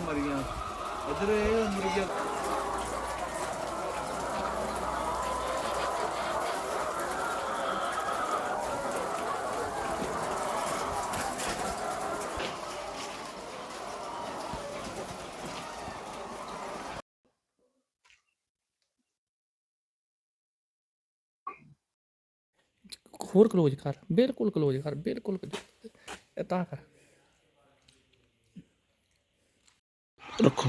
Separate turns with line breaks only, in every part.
ਮਰੀਆਂ ਇੱਧਰ ਇਹ ਮੁਰਗੀਆਂ
ਹੋਰ ਕਲੋਜ਼ ਕਰ, ਬਿਲਕੁਲ ਕਲੋਜ਼ ਕਰ, ਬਿਲਕੁਲ ਤਾਂ ਕਰ ਰੱਖੋ।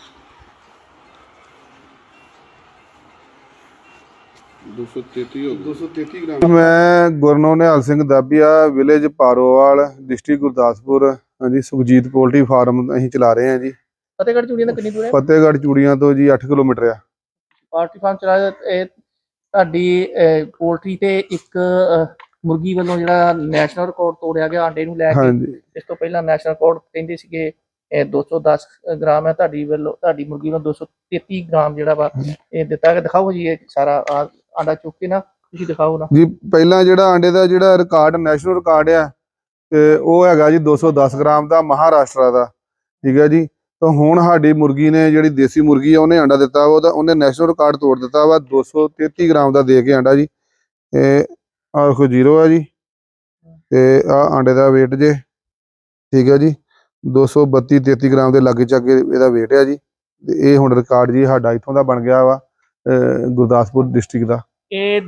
ਮੈਂ ਗੁਰਨੋ ਨਿਹਾਲ ਸਿੰਘ ਦਾਬੀਆ, ਵਿਲੇਜ ਪਾਰੋਵਾਲ, ਡਿਸਟ੍ਰਿਕਟ ਗੁਰਦਾਸਪੁਰ। ਹਾਂਜੀ, ਸੁਖਜੀਤ ਪੋਲਟਰੀ ਫਾਰਮ ਅਸੀਂ ਚਲਾ ਰਹੇ ਹਾਂ ਜੀ।
ਫਤਿਹਗੜ੍ਹ ਚੂੜੀਆਂ ਦਾ ਕਿੰਨੀ ਦੂਰ ਹੈ?
ਫਤਿਹਗੜ੍ਹ ਚੂੜੀਆਂ ਤੋਂ ਜੀ 8 ਕਿਲੋਮੀਟਰ ਆ।
ਪਾਰਟੀ ਫਾਰਮ ਚਲਾ ਇਹ ਤੁਹਾਡੀ ਪੋਲਟਰੀ ਤੇ ਇੱਕ ਮੁਰਗੀ ਵੱਲੋਂ ਜਿਹੜਾ ਨੈਸ਼ਨਲ ਰਿਕਾਰਡ ਤੋੜਿਆ ਗਿਆ ਆਂਡੇ ਨੂੰ ਲੈ ਕੇ।
ਹਾਂਜੀ,
ਇਸ ਤੋਂ ਪਹਿਲਾਂ ਨੈਸ਼ਨਲ ਰਿਕਾਰਡ ਕਹਿੰਦੇ ਸੀਗੇ 210 ਗ੍ਰਾਮ ਹੈ, ਤੁਹਾਡੀ ਵੱਲੋਂ ਤੁਹਾਡੀ ਮੁਰਗੀ ਵੱਲੋਂ 233 ਗ੍ਰਾਮ ਜਿਹੜਾ ਵਾ ਇਹ ਦਿੱਤਾ ਗਿਆ। ਦਿਖਾਓ ਜੀ ਇਹ ਸਾਰਾ ਆਂਡਾ ਚੁੱਕ ਕੇ ਨਾ ਤੁਸੀਂ ਦਿਖਾਓ ਨਾ
ਜੀ। ਪਹਿਲਾਂ ਜਿਹੜਾ ਆਂਡੇ ਦਾ ਜਿਹੜਾ ਰਿਕਾਰਡ ਨੈਸ਼ਨਲ ਰਿਕਾਰਡ ਆ ਤੇ ਉਹ ਹੈਗਾ ਜੀ 210 ਗ੍ਰਾਮ ਦਾ, ਮਹਾਰਾਸ਼ਟਰ ਦਾ। ਠੀਕ ਹੈ ਜੀ। ਤਾਂ ਹੁਣ ਸਾਡੀ ਮੁਰਗੀ ਨੇ ਜਿਹੜੀ ਦੇਸੀ ਮੁਰਗੀ ਆ ਉਹਨੇ ਆਂਡਾ ਦਿੱਤਾ ਵਾ, ਉਹਨੇ ਨੈਸ਼ਨਲ ਰਿਕਾਰਡ ਤੋੜ ਦਿੱਤਾ ਵਾ 233 ਗ੍ਰਾਮ ਦਾ ਦੇ ਕੇ ਆਂਡਾ ਜੀ। ਇਹ ਆਹ ਦੇਖੋ 0 ਆ ਜੀ ਤੇ ਆਹ ਆਂਡੇ ਦਾ weight ਜੇ। ਠੀਕ ਹੈ ਜੀ। 232-33 ਗ੍ਰਾਮ ਦੇ ਲਾਗੇ ਚਾਗੇ ਇਹਦਾ weight ਆ ਜੀ। ਤੇ ਇਹ ਹੁਣ ਰਿਕਾਰਡ ਜੀ ਸਾਡਾ ਇੱਥੋਂ ਦਾ ਬਣ ਗਿਆ ਵਾ, ਗੁਰਦਾਸਪੁਰ ਡਿਸਟ੍ਰਿਕਟ ਦਾ।
ਇਹ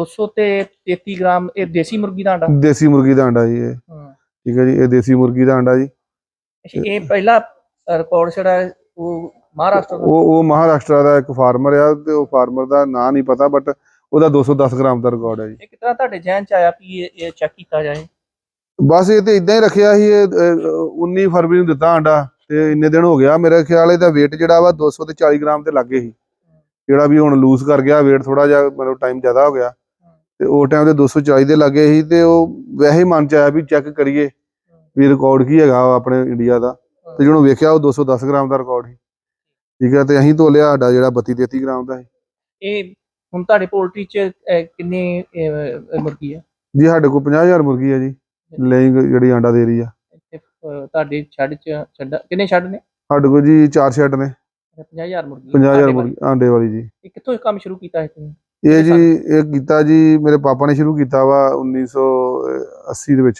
233 ਗ੍ਰਾਮ ਇਹ ਦੇਸੀ ਮੁਰਗੀ ਦਾ ਆਂਡਾ?
ਦੇਸੀ ਮੁਰਗੀ ਦਾ ਆਂਡਾ ਜੀ ਇਹ। ਠੀਕ ਹੈ ਜੀ, ਇਹ ਦੇਸੀ ਮੁਰਗੀ ਦਾ ਆਂਡਾ ਜੀ।
ਇਹ ਪਹਿਲਾ ਰਿਕਾਰਡ ਜਿਹੜਾ ਉਹ ਮਹਾਰਾਸ਼ਟਰ ਦਾ?
ਉਹ ਮਹਾਰਾਸ਼ਟਰ ਦਾ ਇੱਕ ਫਾਰਮਰ ਆ ਤੇ ਉਹ ਫਾਰਮਰ ਦਾ ਨਾਂ ਨਹੀਂ ਪਤਾ, ਬਟ ਉਹਦਾ 210 ਗ੍ਰਾਮ ਦਾ ਰਿਕਾਰਡ ਹੈ ਜੀ।
ਇਹ ਕਿਤਨਾ ਤੁਹਾਡੇ ਜ਼ਿਹਨ ਚ ਆਇਆ ਵੀ ਇਹ ਚੈੱਕ ਕੀਤਾ ਜਾਏ?
ਬਸ ਇਹ ਤੇ ਇਦਾਂ ਹੀ ਰੱਖਿਆ ਸੀ। ਇਹ 19 ਫਰਵਰੀ ਨੂੰ ਦਿੱਤਾ ਆਂਡਾ ਤੇ ਇੰਨੇ ਦਿਨ ਹੋ ਗਿਆ। ਮੇਰੇ ਖਿਆਲ ਇਹਦਾ weight ਜਿਹੜਾ ਵਾ 240 ਗ੍ਰਾਮ ਤੇ ਲੱਗੇ ਸੀ, ਜਿਹੜਾ ਵੀ ਹੁਣ ਲੂਜ਼ ਕਰ ਗਿਆ weight, ਥੋੜਾ ਜਿਹਾ ਮਤਲਬ ਟਾਈਮ ਜ਼ਿਆਦਾ ਹੋ ਗਿਆ ਤੇ ਉਹ ਟਾਈਮ ਤੇ 240 ਦੇ ਲੱਗੇ ਸੀ। ਤੇ ਉਹ ਵੈਸੇ ਹੀ ਮਨ ਚ ਆਇਆ ਵੀ ਚੈੱਕ ਕਰੀਏ ਵੀ ਰਿਕਾਰਡ ਕੀ ਹੈਗਾ ਆਪਣੇ ਇੰਡੀਆ ਦਾ। ਤੇ ਜਿਹਨੂੰ ਵੇਖਿਆ ਉਹ 210 ਗ੍ਰਾਮ ਦਾ ਰਿਕਾਰਡ ਸੀ। ਠੀਕ ਹੈ। ਤੇ ਅਸੀਂ ਤੋਲਿਆ ਸਾਡਾ ਜਿਹੜਾ 32-33 ਗ੍ਰਾਮ ਦਾ ਸੀ।
ਇਹ ਹੁਣ ਤੁਹਾਡੇ ਪੋਲਟਰੀ ਚ ਕਿੰਨੇ ਮੁਰਗੀ ਹੈ ਜੀ?
ਸਾਡੇ ਕੋਲ 50,000 ਮੁਰਗੀ ਹੈ ਜੀ, ਲੇਇੰਗ ਜਿਹੜੀ ਆਂਡਾ ਦੇ ਰਹੀ ਆ।
ਤੁਹਾਡੇ ਛੱਡ ਕਿੰਨੇ ਛੱਡ ਨੇ?
ਸਾਡੇ ਕੋਲ ਜੀ 4 ਸ਼ੈੱਡ ਨੇ।
50,000 ਮੁਰਗੀ?
50,000 ਮੁਰਗੀ ਆਂਡੇ ਵਾਲੀ ਜੀ।
ਇਹ ਕਿੱਥੋਂ ਕੰਮ ਸ਼ੁਰੂ ਕੀਤਾ ਹੈ ਤੁਸੀਂ?
ਇਹ ਜੀ ਇਹ ਕੀਤਾ ਜੀ ਮੇਰੇ ਪਾਪਾ ਨੇ ਸ਼ੁਰੂ ਕੀਤਾ ਵਾ 1980 ਦੇ ਵਿੱਚ।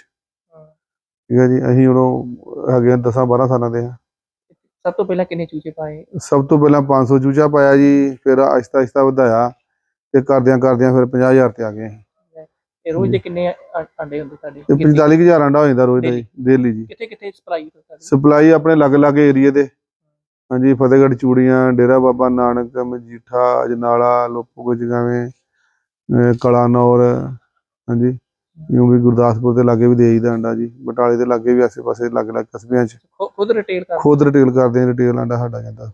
ਠੀਕ ਹੈ ਜੀ। ਅਸੀਂ ਉਦੋਂ ਹੈਗੇ 10-12 ਸਾਲਾਂ ਦੇ ਆ।
ਸਭ ਤੋਂ ਪਹਿਲਾਂ ਕਿੰਨੇ ਚੂਚੇ ਪਾਏ?
ਸਭ ਤੋਂ ਪਹਿਲਾਂ 500 ਚੂਚਾ ਪਾਇਆ ਜੀ, ਫਿਰ ਆਹਿਸਤਾ ਆਹਿਸਤਾ ਵਧਾਇਆ ਤੇ ਕਰਦਿਆਂ ਫਿਰ 50,000 ਤੇ ਆ ਗਏ।
ਇਹ ਰੋਜ਼ ਦੇ ਕਿੰਨੇ ਆਂਡੇ ਹੁੰਦੇ ਤੁਹਾਡੇ?
45,000 ਆਂਡਾ ਹੋ ਜਾਂਦਾ ਰੋਜ਼ ਦਾ ਜੀ, ਡੇਲੀ ਜੀ।
ਕਿੱਥੇ ਕਿੱਥੇ ਸਪਲਾਈ?
ਸਪਲਾਈ ਆਪਣੇ ਅਲੱਗ-ਅਲੱਗ ਏਰੀਏ ਦੇ। ਹਾਂਜੀ, ਫਤਿਹਗੜ੍ਹ ਚੂੜੀਆਂ, ਡੇਰਾ ਬਾਬਾ ਨਾਨਕ, ਮਜੀਠਾ, ਅਜਨਾਲਾ, ਲੋਪੋ ਜਗਾਵੇਂ, ਕਲਾਨੌਰ। ਹਾਂਜੀ, ਇਉਂ ਵੀ ਗੁਰਦਾਸਪੁਰ ਦੇ ਲਾਗੇ ਵੀ ਦੇਈਦਾ ਆਂਡਾ ਜੀ। ਬਟਾਲੇ ਦੇ ਲਾਗੇ ਵੀ ਆਸੇ ਪਾਸੇ ਅਲੱਗ-ਅਲੱਗ ਕਸਬਿਆਂ 'ਚ ਖੁਦ ਰਿਟੇਲ ਕਰਦੇ ਆ। ਰਿਟੇਲ ਆਂਡਾ ਸਾਡਾ ਜਾਂਦਾ।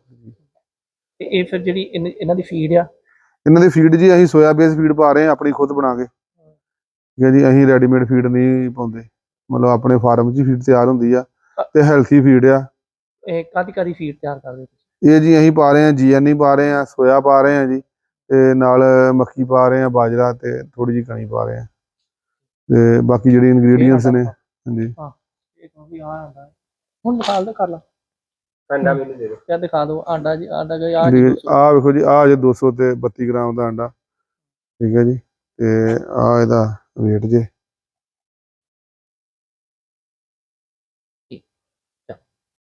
ਤੇ ਇਹ ਫਿਰ ਜਿਹੜੀ ਇਹਨਾਂ ਦੀ ਫੀਡ ਆ?
ਇਹਨਾਂ ਦੀ ਫੀਡ ਜੀ ਅਸੀਂ ਸੋਇਆ ਬੇਸ ਫੀਡ ਪਾ ਰਹੇ ਹਾਂ ਆਪਣੀ ਖੁਦ ਬਣਾ ਕੇ। ਠੀਕ ਹੈ ਜੀ। ਅਸੀਂ ਰੈਡੀਮੇਡ ਫੀਡ ਨਹੀਂ ਪਾਉਂਦੇ, ਮਤਲਬ ਆਪਣੇ ਫਾਰਮ 'ਚ ਹੀ ਫੀਡ ਤਿਆਰ ਹੁੰਦੀ ਆ ਤੇ ਹੈਲਥੀ ਫੀਡ ਆ।
ਇਹ ਕਾਹਦੀ ਫੀਡ ਤਿਆਰ ਕਰਦੇ ਤੁਸੀਂ?
ਇਹ ਜੀ ਅਸੀਂ ਪਾ ਰਹੇ ਹਾਂ GNE ਪਾ ਰਹੇ ਹਾਂ, ਸੋਇਆ ਪਾ ਰਹੇ ਹਾਂ ਜੀ, ਤੇ ਨਾਲ ਮੱਕੀ ਪਾ ਰਹੇ ਹਾਂ, ਬਾਜਰਾ ਤੇ ਥੋੜੀ ਜਿਹੀ ਕਣੀ ਪਾ ਰਹੇ ਹਾਂ। ਤੇ ਬਾਕੀ ਜਿਹੜੇ ਇਨਗਰੀਡੀਅੰਟਸ ਨੇ। ਹਾਂਜੀ।
ਹੁਣ ਦਿਖਾ ਦੋ, ਕਰ ਲਾ ਆਂਡਾ ਮੈਨੂੰ ਦੇ ਦਿਓ। ਕਿਆ ਦਿਖਾ ਦਿਓ ਆਂਡਾ ਜੀ? ਆਂਡਾ ਜੀ
ਆਹ ਵੇਖੋ ਜੀ, ਆਹ ਜੇ 232 ਗ੍ਰਾਮ ਦਾ ਆਂਡਾ। ਠੀਕ ਹੈ ਜੀ। ਤੇ ਆਹ ਇਹਦਾ weight ਜੇ।